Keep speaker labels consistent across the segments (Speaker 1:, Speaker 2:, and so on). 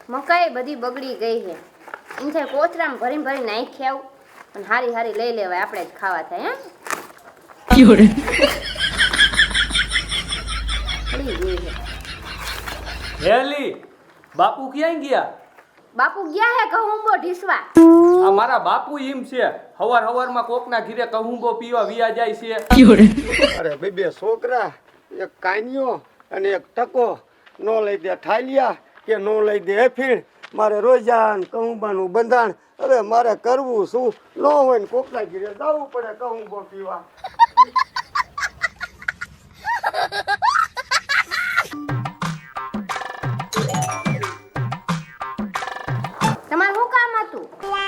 Speaker 1: મકાઈ બધી બગડી ગઈ છે. ઇનસે કોથરામાં ભરી નાખી આવું અને હારી હારી લઈ લેવાય, આપણે જ ખાવા થાય. હે પડી ગઈ છે.
Speaker 2: હેલી બાપુ ક્યાં ગયા?
Speaker 1: બાપુ ગયા હે કહુંબો ઢીસવા.
Speaker 2: આ મારા બાપુ એમ છે હવારમાં કોકના ઘીરે કહુંબો પીવા વિયા જાય છે.
Speaker 3: અરે બે છોકરા, એક કાનિયો અને એક ટકો, નો લઈ દે ઠાલિયા કે નો લઈ દે એફીણ. મારે રોજાન કહુંબાનું બંધાણ. હવે મારે કરવું શું? નો હોય ને કોકના ઘીરે જવું પડે કહુંબો પીવા.
Speaker 1: તમારું શું કામ હતું?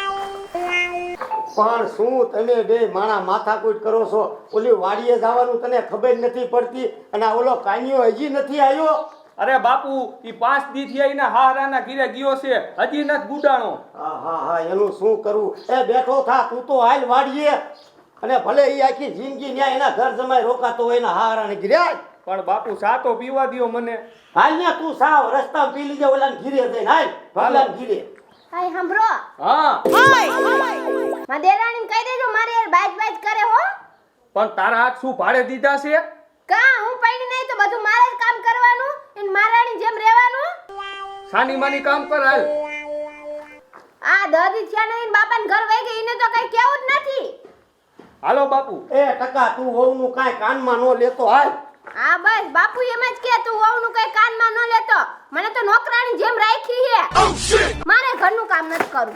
Speaker 3: પણ શું તમે બે માણા માથાકૂટ કરો છો? ઓલી વાડીએ જવાનું તને ખબર નથી પડતી અને આ ઓલો કાનિયો હજી નથી આવ્યો?
Speaker 2: અરે બાપુ ઈ 5 દી થી આઈના હારાના ઘીરે ગયો છે, હજી નથી ગુડાણો.
Speaker 3: હા એનું શું કરવું? એ બેઠો થા, તું તો હાલ વાડીએ. અને ભલે ઈ આખી જિંદગી ન્યા એના ઘર જમાઈ રોકાતો હોય ને હારાને ઘીરે.
Speaker 2: પણ બાપુ સા તો પીવા દ્યો મને.
Speaker 3: હાલ ને તું સાવ રસ્તામાં પી લીજે ઓલાને ઘીરે જઈને. હાલ ભગલાને ઘીરે.
Speaker 1: હાય સાંભળો,
Speaker 2: હા
Speaker 1: માં દેરાણીને કહી દેજો મારી યાર બાજ કરે હો.
Speaker 2: પણ તારા હાથ શું ભાડે દીધા છે?
Speaker 1: કા હું પૈણી નહીં તો બધું મારે જ કામ કરવાનું અને મારાની જેમ રહેવાનું.
Speaker 2: સાની માની કામ કર હાલ.
Speaker 1: આ દાદી થયા નહીં બાપાને ઘર વહી ગઈ, એને તો કઈ કેવું જ નથી.
Speaker 2: હાલો બાપુ.
Speaker 3: એ ટકા તું વહુનું કાંઈ કાનમાં નો લેતો. હાલ.
Speaker 1: હા બસ બાપુ એમ જ કે તું વહુનું કઈ કાનમાં ન લેતો. મને તો નોકરાણી જેમ રાખી છે. મારે ઘરનું કામ નથી કરવું.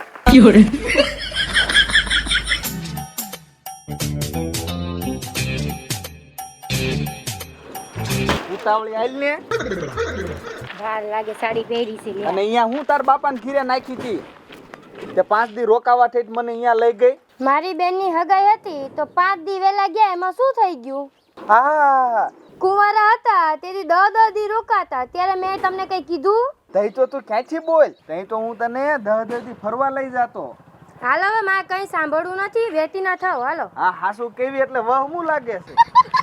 Speaker 4: ઉતાવળી આલ ને.
Speaker 1: વાર લાગે સાડી પહેરી છે.
Speaker 4: અને અહીંયા હું તાર બાપાને ઘીરે નાખી હતી તે 5 દી રોકાવા થઈ મને અહીંયા લઈ ગઈ.
Speaker 5: મારી બેનની હગાઈ હતી તો 5 દી વેલા ગયા, એમાં શું થઈ ગયું?
Speaker 4: હા
Speaker 5: કુંવારા હતા તેથી 10 દી રોકાતા, ત્યારે મેં તમને કઈ કીધું?
Speaker 4: તઈ તો તું ક્યાંથી બોલ, તઈ તો હું તને 10 દી ફરવા લઈ જાતો.
Speaker 5: હાલો હવે મારે કઈ સાંભળવું નથી, વેતી ના થાવ. હાલો.
Speaker 4: હા હાસુ કેવી એટલે વહમું લાગે છે.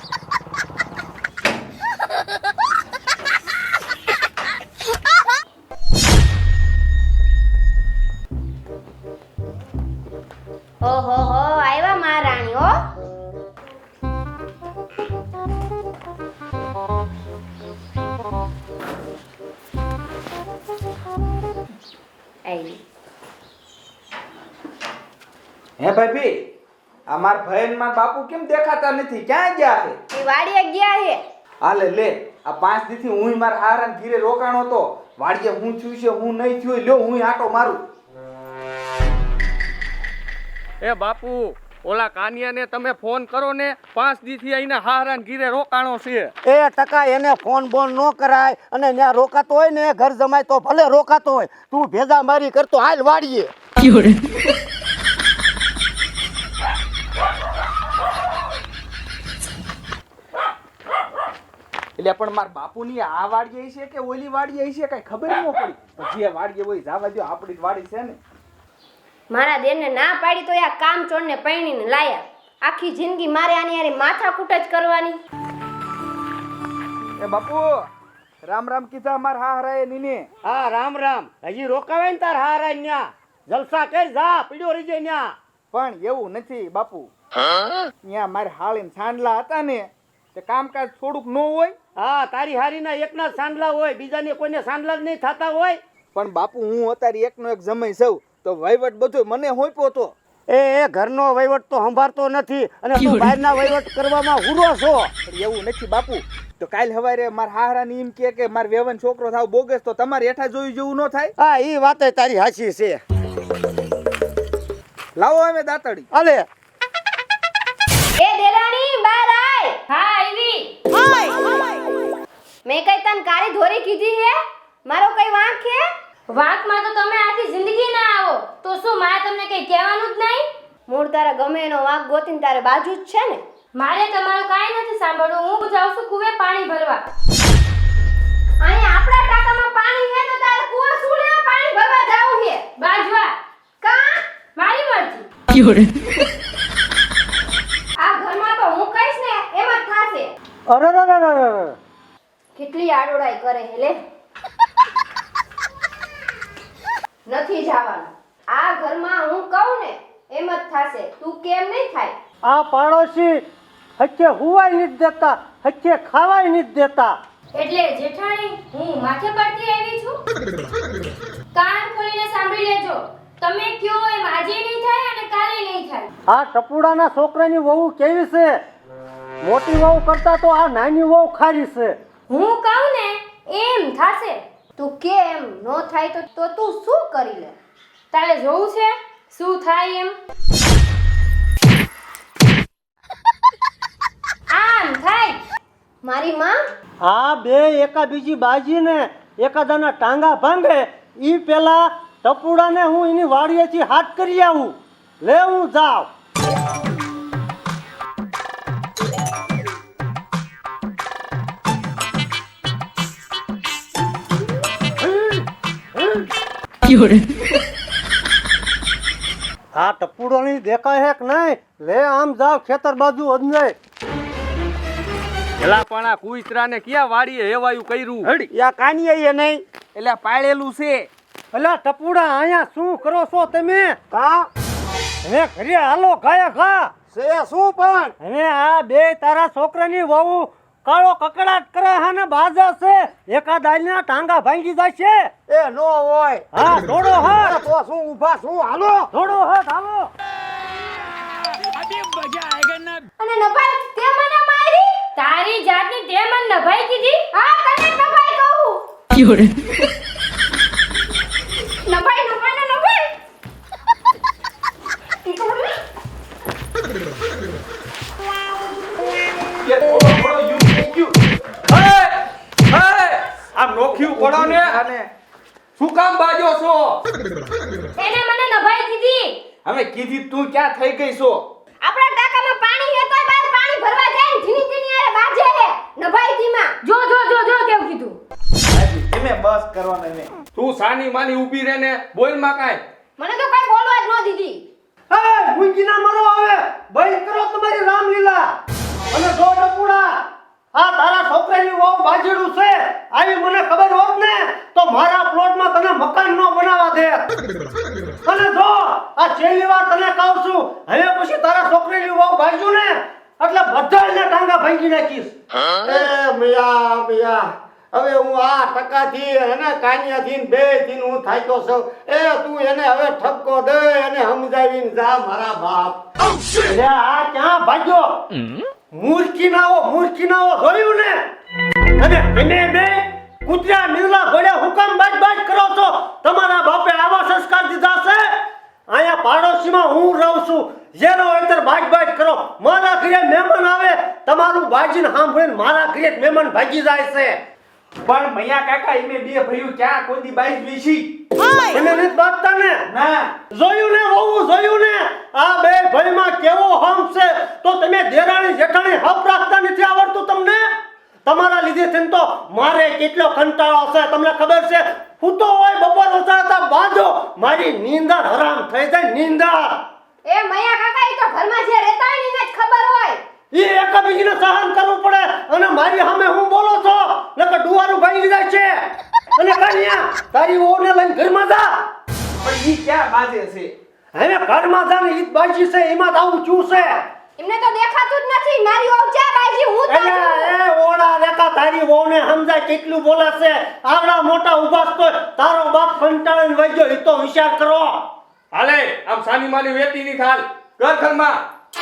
Speaker 1: ઓહો હો આવ્યા મહારાણી હો.
Speaker 4: હે ભાભી, આ માર ભાઈ ને માર બાપુ કેમ દેખાતા નથી? ક્યાં ગયા છે?
Speaker 1: એ વાડીએ ગયા છે.
Speaker 4: હાલે લે, આ 5 દી થી હું મારા હારાને ઘીરે રોકાણો તો વાડીએ હું થયું છે હું નહીં થયું, લ્યો હું આટો મારું.
Speaker 2: એ બાપુ ઓલા કાનિયાને તમે ફોન કરો ને, 5 દી થી આઈના હારાના ઘીરે રોકાણો છે.
Speaker 3: એ ટકા એને ફોન બોન નો કરાય. અને ત્યાં રોકાતો હોય ને ઘર જમાય તો ભલે રોકાતો હોય, તું ભેજા મારી કરતો. હાલ વાડીએ.
Speaker 4: એટલે પણ માર બાપુની આ વાડીએ છે કે ઓલી વાડીએ છે કઈ ખબર ન પડી. પણ જે વાડીએ હોય જવા દો, આપણી જ વાડી છે ને.
Speaker 1: મારા દેરને ના પાડી તો આ કામ ચોરને પૈણીને લાયા. આખી જિંદગી મારે આની યારી માથાકૂટ જ કરવાની.
Speaker 4: એ બાપુ રામ રામ કીધા માર હારાએ નીને.
Speaker 3: હા રામ રામ. હજી રોકાવાય ને તાર હારા ન્યા. જલસા કર, જા પીડ્યો રહી જાય ન્યા.
Speaker 4: પણ એવું નથી બાપુ, ત્યાં મારે હાળીને સાંડલા હતા ને તે કામકાજ થોડુંક ન હોય.
Speaker 3: હા તારી હારીના એકના જ સાંડલા હોય, બીજાને કોઈને સાંડલા જ નહીં થતા હોય.
Speaker 4: પણ બાપુ હું અત્યારે એકનો એક જમાઈ સૌ તો વહીવટ બધો મને હોઈપો તો.
Speaker 3: એ ઘરનો વહીવટ તો સંભાળતો નથી અને તું બહારના વહીવટ કરવામાં હુરો છો.
Speaker 4: એવું નથી બાપુ, તો કાલ સવારે મારા હારાની એમ કે માર વેવન છોકરો થાવ બોગસ તો તમારે હેઠા જોયું જેવું ન થાય.
Speaker 3: હા ઈ વાતે તારી હાચી છે.
Speaker 4: લાવો હવે દાતડી.
Speaker 3: અલે
Speaker 1: એ દેરાણી બહાર આય. હા આવી. મેં કઈ તને કાળી ધોરી કીધી હે? મારો કઈ વાંક હે?
Speaker 5: વાંકમાં તો તમે આખી જિંદગી ના આવો તો શું મારે તમને કઈ કહેવાનું જ નહીં?
Speaker 1: મૂળ તારા ગમે એનો વાંક ગોતીને તારે બાજુ જ છે ને.
Speaker 5: મારે તમારું કાંઈ નથી સાંભળવું. હું જાઉં છું કુવે પાણી ભરવા.
Speaker 1: અહીંયા આપણા ટાંકામાં પાણી હે તો તારે કુવા શું લેવા પાણી ભરવા જાવું હે?
Speaker 5: બાજવા.
Speaker 1: કા
Speaker 5: મારી મરજી.
Speaker 1: આ ઘરમાં તો હું કહીશ ને એમ જ થાશે.
Speaker 3: અરે
Speaker 1: કેટલી આડોડાઈ કરે હે લે. નથી જવાનું. આ ઘરમાં હું કહું ને એમ જ થશે. તું કેમ નહીં થાય?
Speaker 6: આ પાડોશી હચ્ચે હુવાય નથી દેતા, હચ્ચે ખાવાય નથી દેતા.
Speaker 5: એટલે જેઠાણી હું માથે પડતી આવી છું. કાન ખોલીને સાંભળી લેજો. તમે કયો એમ આજે નહીં થાય અને કાલે નહીં થાય.
Speaker 6: આ ટપુડાના છોકરાની વહુ કેવી છે? મોટી વહુ કરતા તો આ નાની વહુ ખારી છે.
Speaker 5: હું કહું ને એમ થાશે.
Speaker 1: તું કેમ નો થાય તો તું શું કરી લે?
Speaker 5: તારે જોવું છે શું થાય એમ? આમ થાય.
Speaker 1: મારી માં
Speaker 6: આ બે એકા બીજી બાજીને એકાદાના ટાંગા ભાંગે ઈ પેલા ટપુડાને હું એની વાડીએથી હાથ કરી આવું. લે હું જાઉં. આ ટપુડો ની દેખાય હે કે નહીં? લે આમ જાવ ખેતર બાજુ અંજાય.
Speaker 2: એલા પણ આ કુઈતરાને ક્યાં વાડીએ હેવાયું કર્યું હડી
Speaker 3: યા કાનિયા એ નહીં
Speaker 2: એટલે પાળેલું છે.
Speaker 6: અલા ટપુડા અહીંયા શું કરો છો તમે?
Speaker 3: કા
Speaker 6: હવે ઘરે હાલો ખાયા ખા.
Speaker 3: છે શું પણ
Speaker 6: હવે આ બે તારા છોકરાની વહુ કાળો કકડાટ કરે છે ને બાજા છે. એકાદ આલીના ટાંગા ભાંગી જાય છે.
Speaker 3: એ નો હોય
Speaker 6: હા થોડો હાથ,
Speaker 3: તો શું ઊભા શું હાલો
Speaker 6: થોડો હાથ હાલો.
Speaker 1: અને નભાઈ તે મને મારી.
Speaker 5: તારી જાતની તે મન નભાઈ કીધી.
Speaker 1: હા તને નભાઈ કહું. નભાઈ નભાઈ ને નભાઈ.
Speaker 4: કે થોડો થોડો યુ થઈ ગયું.
Speaker 2: આ નોખ્યું પડો ને
Speaker 4: અને
Speaker 2: શું કામ બાજો છો?
Speaker 5: એને મને નભાઈ કીધી.
Speaker 2: હવે કીધી તું ક્યાં થઈ ગઈ છો?
Speaker 1: આપણા ટાંકામાં પાણી હે તોય બહાર પાણી ભરવા જાય ને જીની તેની આરે બાજે હે નભાઈ ધીમા.
Speaker 5: જો જો જો જો કેવું કીધું.
Speaker 4: હાજી તમે બસ કરવાના ને.
Speaker 2: તું સાની માની ઊભી રહે ને બોલ માં કાંઈ.
Speaker 1: મને તો કઈ બોલવા જ ન દીધી.
Speaker 6: એ મુંજીના મરો આવે. બંધ કરો તમારી રામલીલા. અને જો ટપુડા આ તારા છોકરાની વહુ બાજેડું છે. આવી મને ખબર હોત ને તો મારા પ્લોટમાં તને મકાન નો બનાવવા દે. અને જો આ છેલ્લી વાર તને કહું છું, હવે પછી તારા છોકરાની વહુ બાજુ ને એટલે બધાને ટાંગા ભાંગી નાખીશ.
Speaker 3: એ મિયા મિયા હવે હું આ ટકાથી અને કાનિયાથી બે થી હું થાક્યો છું. એ તું એને હવે ઠપકો દે અને સમજાવીને જા મારા બાપ.
Speaker 6: એટલે આ ક્યાં ભાગ્યો? મૂર્ખી ના હો જોયું ને? અને તમે બે કૂતરા નીવલા ઘોડે હુકમ બાજ કરો છો. તમારા બાપે આવા સંસ્કાર દીધા છે. અહીંયા પાડોશીમાં હું રહું છું. જેનો અંતર બાજ કરો. મારા ઘરે મહેમાન આવે તમારું બાજીને સાંભળીને મારા ઘરે જ મહેમાન ભાગી જાય છે.
Speaker 4: પણ મૈયા કાકા ઈમે બે ભઈઓ ક્યાં કોદી બાઈસ વીસી.
Speaker 6: એને નથી બાંધતા ને?
Speaker 4: ના
Speaker 6: જોયું ને વહુ, જોયું ને? આ બે ભાઈમાં કેવો હમ છે. તો તમે દેરાણી જેઠાણી હપ રાખતા નથી આવડતું તમને? તમારા લીધે થઈને તો મારે કેટલો કંટાળો છે તમને ખબર છે. હું તો હોય બપોર વસાતા બાજો મારી નીંદર હરામ થઈ જાય નીંદર.
Speaker 1: એ મૈયા કાકા ઈ તો ઘરમાં જે રહેતા હોય ને એને જ ખબર હોય.
Speaker 6: એ એકબીજીને સહન કરવું પડે. અને મારી સામે હું બોલો છો નકર ડુવારું ભાંગી જાય છે. અને કાનિયા તારી વહુને લઈને ઘરમાં જા.
Speaker 4: પણ ઈ ક્યાં બાજે છે?
Speaker 6: હવે ઘરમાં જા ને ઈ જ બાજી છે. એમાં તો આવું ચૂ છે.
Speaker 1: એમને તો દેખાતું જ નથી. મારી વહુ ચા બાજી હું તો છું.
Speaker 6: એ ઓડા રેખા તારી વહુને સમજાય કેટલું બોલે છે. આવડા મોટા ઉભા તો તારો બાપ કંટાળીને વઈ ગયો. ઈ તો વિચાર કરો.
Speaker 2: હાલે આમ સાની માની વેતી ની થાલ ઘર ઘરમાં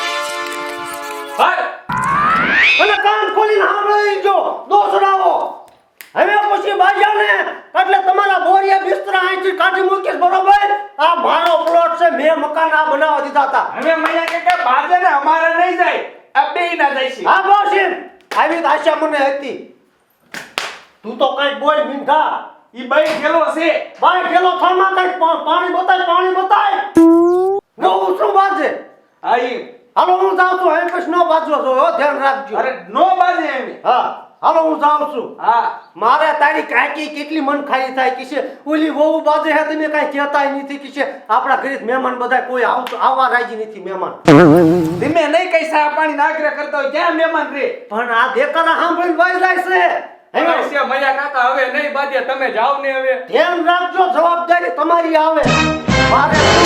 Speaker 2: હાલ.
Speaker 6: અને કાન ખોલીને સાંભળી જો દોસડાવો. હવે પછી બાજાને એટલે તમારા બોરિયા બિસ્તરા અહીંથી કાઢી મૂકીશ બરોબર. આ મારો પ્લોટ છે. મેં મકાન આ બનાવવા દીધા હતા.
Speaker 4: હવે મૈયા કાકા બાજે ને અમારે નહીં જાય. આ બેય ના જાય છે.
Speaker 6: હા બોસીમ આવી તો આશા મને હતી. તું તો કઈ બોલ મીંઢા.
Speaker 4: ઈ બાઈ ગેલો છે.
Speaker 6: બાય ગેલો થામાં કઈ પાણી બતાય. નવું શું બાજે?
Speaker 4: આ ઈ
Speaker 6: હાલો હું જાઉં છું. હવે પછી નો બાજવો છો હો, ધ્યાન રાખજો.
Speaker 4: અરે નો બાજે એમ.
Speaker 6: હા હાલો હું જાઉં છું.
Speaker 4: હા
Speaker 6: મારે તારી કાકી કેટલી મન ખાલી થાય કે છે ઓલી વહુ બાજે હે તમે કાઈ કહેતાય નથી કે છે આપણા ઘરે મહેમાન બધા કોઈ આવવા રાજી નથી મહેમાન.
Speaker 4: ધીમે નહીં કઈ સા પાણી નાગરે કરતા હોય ક્યાં મહેમાન રે.
Speaker 6: પણ આ દેકારા સાંભળીને વાઈ જાય છે.
Speaker 2: હવે છે મૈયા કાકા હવે નહીં બાજે તમે જાવ ને હવે.
Speaker 6: ધ્યાન રાખજો. જવાબદારી તમારી આવે મારે